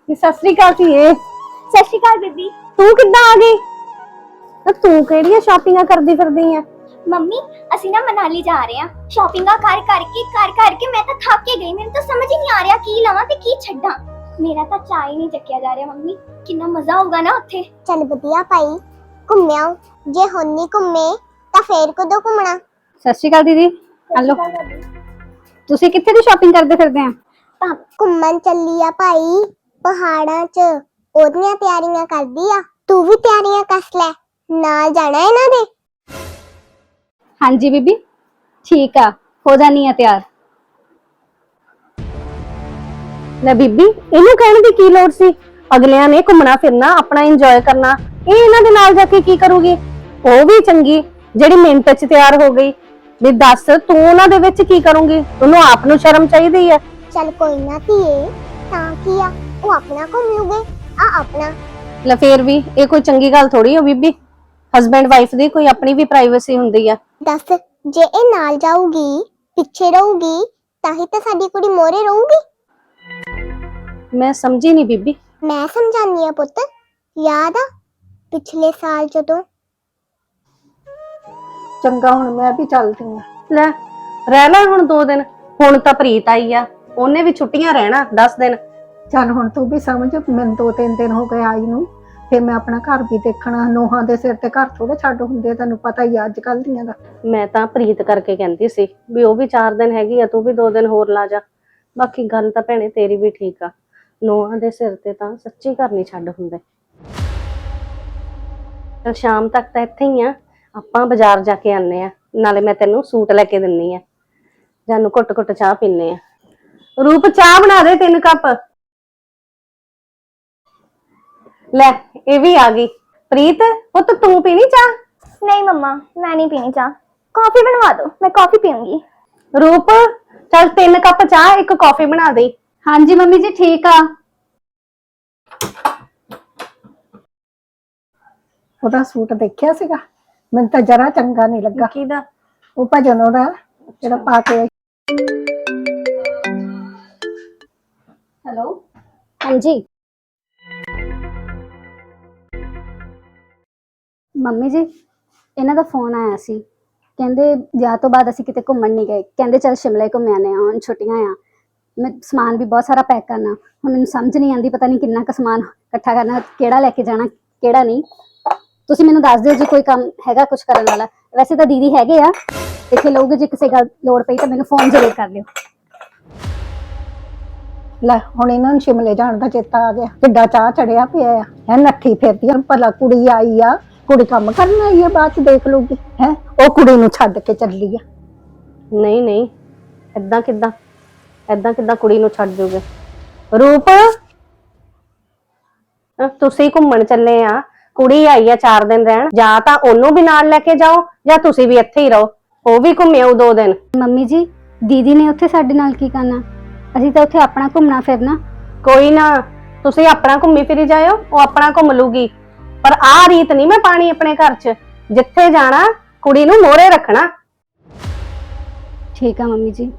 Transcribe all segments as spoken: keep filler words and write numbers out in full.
ਸਤਿ ਸ੍ਰੀ ਅਕਾਲ ਧੀਏ। ਸਤਿ ਸ਼੍ਰੀ ਅਕਾਲ ਬੀਬੀ। ਤੂੰ ਕਿੱਦਾਂ ਆ ਗਈ? ਤੂੰ ਕਿਹੜੀਆਂ ਸ਼ਾਪਿੰਗਾਂ ਕਰਦੀ ਫਿਰਦੀ ਆ? ਮੰਮੀ ਅਸੀਂ ਨਾ ਮਨਾਲੀ ਜਾ ਰਹੇ ਹਾਂ। ਸ਼ਾਪਿੰਗਾਂ ਕਰ ਕਰਕੇ ਕਰ ਕਰਕੇ ਮੈਂ ਤਾਂ ਥੱਕ ਕੇ ਗਈ। ਮੈਨੂੰ ਤਾਂ ਸਮਝ ਹੀ ਨਹੀਂ ਆ ਰਿਹਾ ਕੀ ਲਵਾਂ ਤੇ ਕੀ ਛੱਡਾਂ। ਮੇਰਾ ਤਾਂ ਚਾਹ ਹੀ ਨਹੀਂ ਚੱਕਿਆ ਜਾ ਰਿਹਾ ਮੰਮੀ। ਕਿੰਨਾ ਮਜ਼ਾ ਹੋਊਗਾ ਨਾ ਉੱਥੇ। ਚੱਲ ਵਧੀਆ ਭਾਈ, ਘੁੰਮਿਆ। ਜੇ ਹੁਣ ਨਹੀਂ ਘੁੰਮੇ ਤਾਂ ਫੇਰ ਕਦੋਂ ਘੁੰਮਣਾ? ਸਤਿ ਸ੍ਰੀ ਅਕਾਲ ਦੀਦੀ। ਹਲੋ, ਤੁਸੀਂ ਕਿੱਥੇ ਦੀ ਸ਼ਾਪਿੰਗ ਕਰਦੇ ਫਿਰਦੇ ਆ? ਤਾਂ ਘੁੰਮਣ ਚੱਲੀ ਆ ਭਾਈ, ਪਹਾੜਾਂ 'ਚ। ਉਹਦੀਆਂ ਤਿਆਰੀਆਂ ਕਰਦੀ ਆ। ਤੂੰ ਵੀ ਤਿਆਰੀਆਂ ਕੱਸ ਲੈ, ਨਾਲ ਜਾਣਾ ਇਹਨਾਂ ਦੇ। ਹਾਂਜੀ ਬੀਬੀ, ਠੀਕ ਆ, ਹੋ ਜਾਨੀ ਆ ਤਿਆਰ। ਲੈ ਬੀਬੀ, ਇਹਨੂੰ ਕਹਿਣ ਦੀ ਕੀ ਲੋੜ ਸੀ? ਅਗਲਿਆਂ ਨੇ ਘੁੰਮਣਾ ਫਿਰਨਾ, ਆਪਣਾ ਇੰਜੋਏ ਕਰਨਾ। ਇਹ ਇਹਨਾਂ ਦੇ ਨਾਲ ਜਾ ਕੇ ਕੀ ਕਰੂਗੀ? ਉਹ ਵੀ ਚੰਗੀ ਜਿਹੜੀ ਮਿੰਟ 'ਚ ਤਿਆਰ ਹੋ ਗਈ। ਵੀ ਦੱਸ ਤੂੰ ਉਹਨਾਂ ਦੇ ਵਿੱਚ ਕੀ ਕਰੂੰਗੀ? ਉਹਨੂੰ ਆਪ ਨੂੰ ਸ਼ਰਮ ਚਾਹੀਦੀ ਆ। ਚੱਲ ਕੋਈ ਨਾ ਧੀਏ, ਤਾਂ ਕੀ ਆ, ਉਹ ਆਪਣਾ ਘੁੰਮ ਲੂਗੇ, ਆ ਆਪਣਾ। ਲੈ ਫੇਰ ਵੀ ਇਹ ਕੋਈ ਚੰਗੀ ਗੱਲ ਥੋੜੀ ਹੋ ਬੀਬੀ। ਹਸਬੈਂਡ ਵਾਈਫ ਦੀ ਕੋਈ ਆਪਣੀ ਵੀ ਪ੍ਰਾਈਵੇਸੀ ਹੁੰਦੀ ਆ। ਦੱਸ, ਜੇ ਇਹ ਨਾਲ ਜਾਊਗੀ, ਪਿੱਛੇ ਰਹੂਗੀ, ਤਾਂ ਹੀ ਤਾਂ ਸਾਡੀ ਕੁੜੀ ਮੋਰੇ ਰਹੂਗੀ। ਮੈਂ ਸਮਝੀ ਨਹੀਂ ਬੀਬੀ। ਮੈਂ ਸਮਝਾਨੀ ਆ ਪੁੱਤ। ਯਾਦ ਆ ਪਿਛਲੇ ਸਾਲ ਜਦੋਂ? ਚੰਗਾ ਹੁਣ ਮੈਂ ਵੀ ਚੱਲਦੀ ਆ। ਲੈ ਰਹਿ ਲੈ ਹੁਣ ਦੋ ਦਿਨ। ਹੁਣ ਤਾਂ ਪ੍ਰੀਤ ਆਈ ਆ, ਉਹਨੇ ਵੀ ਛੁੱਟੀਆਂ ਰਹਿਣਾ ਦਸ ਦਿਨ। ਚੱਲ ਹੁਣ ਤੂੰ ਵੀ ਸਮਝ, ਮੈਨੂੰ ਦੋ ਤਿੰਨ ਦਿਨ ਹੋ ਗਏ ਆਈ ਨੂੰ। ਫਿਰ ਮੈਂ ਆਪਣਾ ਘਰ ਵੀ ਦੇਖਣਾ। ਨੋਹਾਂ ਦੇ ਸਿਰ ਤੇ ਘਰ ਥੋੜੇ ਛੱਡ ਹੁੰਦੇ, ਤੈਨੂੰ ਪਤਾ ਹੀ ਅੱਜ ਕੱਲ ਦੀਆਂ ਦਾ। ਮੈਂ ਤਾਂ ਪ੍ਰੀਤ ਕਰਕੇ ਕਹਿੰਦੀ ਸੀ ਵੀ ਉਹ ਵੀ ਚਾਰ ਦਿਨ ਹੈਗੀ ਆ, ਤੂੰ ਵੀ ਦੋ ਦਿਨ ਹੋਰ ਲਾ ਜਾ। ਬਾਕੀ ਗੱਲ ਤਾਂ ਭੈਣੇ ਤੇਰੀ ਵੀ ਠੀਕ ਆ, ਨੋਹਾਂ ਦੇ ਸਿਰ ਤੇ ਤਾਂ ਸੱਚੀ ਘਰ ਨਹੀਂ ਛੱਡ ਹੁੰਦੇ। ਚਲ ਸ਼ਾਮ ਤੱਕ ਤਾਂ ਇੱਥੇ ਹੀ ਆ, ਆਪਾਂ ਬਾਜ਼ਾਰ ਜਾ ਕੇ ਆਨੇ ਆ। ਨਾਲੇ ਮੈਂ ਤੈਨੂੰ ਸੂਟ ਲੈ ਕੇ ਦਿੰਨੀ ਆ। ਜਾਨੂੰ ਘੁੱਟ ਘੁੱਟ ਚਾਹ ਪੀਨੇ ਆ। ਰੂਪ ਚਾਹ ਬਣਾ ਦੇ ਤਿੰਨ ਕੱਪ। ਲੈ ਇਹ ਵੀ ਆ ਗਈ। ਪ੍ਰੀਤ ਪੁੱਤ ਤੂੰ ਪੀਣੀ ਚਾਹ? ਨਹੀਂ ਮੰਮਾ, ਮੈਂ ਨਹੀਂ ਪੀਣੀ ਚਾਹ। ਕੌਫੀ ਬਣਵਾ ਦਿਓ, ਮੈਂ ਕੌਫੀ ਪੀਉਂਗੀ। ਰੂਪ ਚੱਲ ਤਿੰਨ ਕੱਪ ਚਾਹ, ਇੱਕ ਕੌਫੀ ਬਣਾ ਦੇ। ਹਾਂਜੀ ਮੰਮੀ ਜੀ ਠੀਕ ਆ। ਉਹਦਾ ਸੂਟ ਦੇਖਿਆ ਸੀਗਾ, ਮੈਨੂੰ ਤਾਂ ਜਰਾ ਚੰਗਾ ਨਹੀਂ ਲੱਗਾ। ਕਿਹਦਾ? ਉਹ ਭਜਨ ਉਹਦਾ ਜਿਹੜਾ ਪਾ ਕੇ। ਹੈਲੋ ਹਾਂਜੀ ਮੰਮੀ ਜੀ, ਇਹਨਾਂ ਦਾ ਫੋਨ ਆਇਆ ਸੀ। ਕਹਿੰਦੇ ਵਿਆਹ ਤੋਂ ਬਾਅਦ ਅਸੀਂ ਕਿਤੇ ਘੁੰਮਣ ਨਹੀਂ ਗਏ। ਕਹਿੰਦੇ ਚੱਲ ਸ਼ਿਮਲੇ ਘੁੰਮ ਆਨੇ ਆ, ਹੁਣ ਛੁੱਟੀਆਂ ਆ। ਮੈਂ ਸਮਾਨ ਵੀ ਬਹੁਤ ਸਾਰਾ ਪੈਕ ਕਰਨਾ। ਹੁਣ ਮੈਨੂੰ ਸਮਝ ਨਹੀਂ ਆਉਂਦੀ, ਪਤਾ ਨਹੀਂ ਕਿੰਨਾ ਕੁ ਸਮਾਨ ਇਕੱਠਾ ਕਰਨਾ, ਕਿਹੜਾ ਲੈ ਕੇ ਜਾਣਾ ਕਿਹੜਾ ਨਹੀਂ। ਤੁਸੀਂ ਮੈਨੂੰ ਦੱਸ ਦਿਓ ਜੇ ਕੋਈ ਕੰਮ ਹੈਗਾ ਕੁਝ ਕਰਨ ਵਾਲਾ। ਵੈਸੇ ਤਾਂ ਦੀਦੀ ਹੈਗੇ ਆ, ਇੱਥੇ ਲਓਗੇ। ਜੇ ਕਿਸੇ ਗੱਲ ਲੋੜ ਪਈ ਤਾਂ ਮੈਨੂੰ ਫੋਨ ਜ਼ਰੂਰ ਕਰ ਲਿਓ। ਲੈ ਹੁਣ ਇਹਨਾਂ ਨੂੰ ਸ਼ਿਮਲੇ ਜਾਣ ਦਾ ਚੇਤਾ ਆ ਗਿਆ। ਕਿੱਡਾ ਚਾਹ ਚੜਿਆ ਪਿਆ ਆ। ਹੈ ਨੱਠੀ ਫਿਰਦੀ ਆ, ਭਲਾ ਕੁੜੀ ਆਈ ਆ, ਕੁੜੀ ਕੰਮ ਕਰਨ ਆਈ ਆ, ਬਾਅਦ ਚ ਦੇਖ ਲੂਗੀ। ਹੈ ਉਹ ਕੁੜੀ ਨੂੰ ਛੱਡ ਕੇ ਚੱਲੀ ਆ। ਨਹੀਂ ਨਹੀਂ, ਏਦਾਂ ਕਿੱਦਾਂ ਏਦਾਂ ਕਿੱਦਾਂ ਕੁੜੀ ਨੂੰ ਛੱਡ ਜੋਗੇ? ਰੂਪ ਤੁਸੀਂ ਘੁੰਮਣ ਚੱਲੇ ਆ, ਕੁੜੀ ਆਈ ਆ ਚਾਰ ਦਿਨ ਰਹਿਣ। ਜਾਂ ਤਾਂ ਉਹਨੂੰ ਵੀ ਨਾਲ ਲੈ ਕੇ ਜਾਓ ਜਾਂ ਤੁਸੀਂ ਵੀ ਇੱਥੇ ਹੀ ਰਹੋ। ਉਹ ਵੀ ਘੁੰਮਿਓ ਦੋ ਦਿਨ। ਮੰਮੀ ਜੀ ਦੀਦੀ ਨੇ ਉੱਥੇ ਸਾਡੇ ਨਾਲ ਕੀ ਕਰਨਾ? ਅਸੀਂ ਤਾਂ ਉੱਥੇ ਆਪਣਾ ਘੁੰਮਣਾ ਫਿਰਨਾ। ਕੋਈ ਨਾ, ਤੁਸੀਂ ਆਪਣਾ ਘੁੰਮੀ ਫਿਰੀ ਜਾਇਓ, ਉਹ ਆਪਣਾ ਘੁੰਮ ਲੂਗੀ। ਪਰ ਆਹ ਰੀਤ ਨਹੀਂ ਮੈਂ ਪਾਣੀ ਆਪਣੇ ਘਰ 'ਚ। ਜਿੱਥੇ ਜਾਣਾ ਕੁੜੀ ਨੂੰ ਮੋਹਰੇ ਰੱਖਣਾ। ਠੀਕ ਆ ਮੰਮੀ ਜੀ।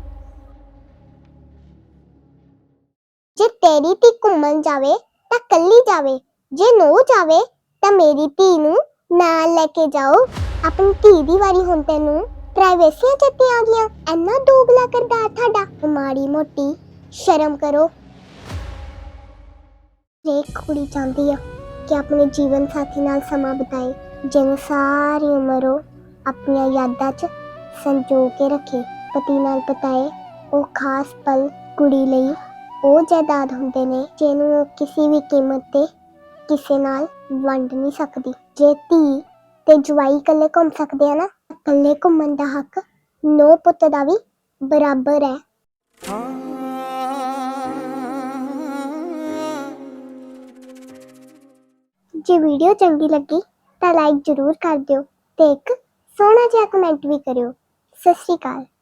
ਜੇ ਤੇਰੀ ਧੀ ਘੁੰਮਣ ਜਾਵੇ ਤਾਂ ਕੱਲੀ ਜਾਵੇ, ਜੇ ਨੋ ਜਾਵੇ ਤਾਂ ਮੇਰੀ ਧੀ ਨੂੰ ਨਾਲ ਲੈ ਕੇ ਜਾਓ। ਆਪਣੀ ਧੀ ਦੀ ਵਾਰੀ ਹੁਣ ਤੈਨੂੰ ਪ੍ਰਾਈਵੇਸੀਆਂ ਚੱਤੇ ਆ ਗਈਆਂ। ਇੰਨਾ ਦੋਗਲਾ ਕਰਦਾ ਤੁਹਾਡਾ। ਮਾੜੀ ਮੋਟੀ ਸ਼ਰਮ ਕਰੋ। ਇੱਕ ਕੁੜੀ ਚਾਹੁੰਦੀ ਆ ਕਿ ਆਪਣੇ ਜੀਵਨ ਸਾਥੀ ਨਾਲ ਸਮਾਂ ਬਿਤਾਏ, ਜਿਹਨੂੰ ਸਾਰੀ ਉਮਰ ਉਹ ਆਪਣੀਆਂ ਯਾਦਾਂ 'ਚ ਸੰਜੋ ਕੇ ਰੱਖੇ। ਪਤੀ ਨਾਲ ਬਿਤਾਏ ਉਹ ਖਾਸ ਪਲ ਕੁੜੀ ਲਈ ਉਹ ਜਾਇਦਾਦ ਹੁੰਦੇ ਨੇ ਜਿਹਨੂੰ ਉਹ ਕਿਸੇ ਵੀ ਕੀਮਤ ਤੇ ਕਿਸੇ ਨਾਲ ਵੰਡ ਨਹੀਂ ਸਕਦੀ। ਜੇ ਧੀ ਤੇ ਜਵਾਈ ਇਕੱਲੇ ਘੁੰਮ ਸਕਦੇ ਆ ਨਾ, ਇਕੱਲੇ ਘੁੰਮਣ ਦਾ ਹੱਕ ਨੋ ਪੁੱਤ ਦਾ ਵੀ ਬਰਾਬਰ ਹੈ। ਜੇ ਵੀਡੀਓ ਚੰਗੀ ਲੱਗੀ ਤਾਂ ਲਾਈਕ ਜ਼ਰੂਰ ਕਰ ਦਿਓ ਤੇ ਇੱਕ ਸੋਹਣਾ ਜਿਹਾ ਕਮੈਂਟ ਵੀ ਕਰਿਓ। ਸਤਿ ਸ਼੍ਰੀ ਅਕਾਲ।